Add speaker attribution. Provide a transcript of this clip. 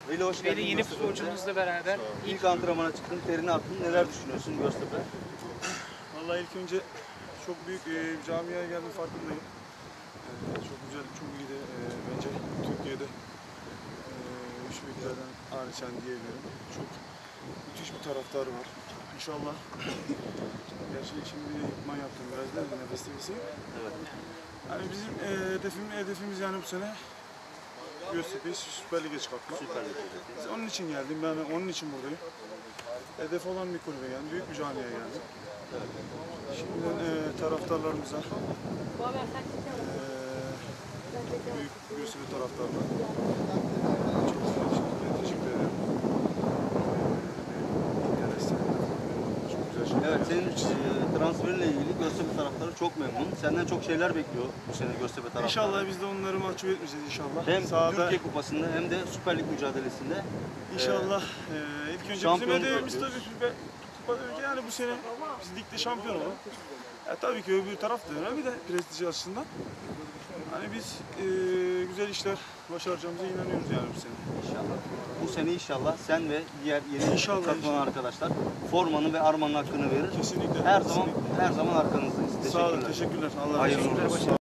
Speaker 1: Veli hoş geldin.
Speaker 2: Veli yeni futbolcumuzla beraber
Speaker 1: İlk antrenmana çıktın, terini attın. Neler düşünüyorsun Göztepe?
Speaker 3: Vallahi ilk önce çok büyük camiaya geldim, farkındayım. Çok güzel, çok iyi de bence Türkiye'de üç büyüklerden hariçen diyebilirim. Çok müthiş bir taraftarı var. İnşallah. Gerçi şimdi idman yaptım biraz da nefes nefesi.
Speaker 1: Evet.
Speaker 3: Yani bizim hedefimiz yani bu sene Göztepe'yi Süper Lig'e çıkartmak.
Speaker 1: Süper Lig'e.
Speaker 3: Biz onun için geldim, ben onun için buradayım. Hedef olan bir kulübe geldim, büyük bir camiye geldim. Şimdiden taraftarlarımıza, büyük Göztepe taraftarlarına çok teşekkür ederim. Çok güzel şeyler.
Speaker 1: Evet, senin transferinle ilgili Göztepe taraftarı çok memnun. Senden çok şeyler bekliyor bu sene Göztepe taraftarı.
Speaker 3: İnşallah biz de onları mahcup etmeyeceğiz inşallah.
Speaker 1: Hem
Speaker 3: sahada,
Speaker 1: Türkiye Kupası'nda hem de Süper Lig mücadelesinde.
Speaker 3: İnşallah ilk önce bizim hedefimiz tabii yani bu sene biz ligde şampiyon olalım. Tabii ki öbür taraf da önemli de prestij açısından. Hani biz güzel işler başaracağımıza inanıyoruz yani bu sene.
Speaker 1: İnşallah. Bu sene inşallah sen ve diğer yeni katılan arkadaşlar formanın ve armanın hakkını verir.
Speaker 3: Kesinlikle.
Speaker 1: Her zaman arkanızdayız.
Speaker 3: Sağ olun, teşekkürler. Allah razı olsun.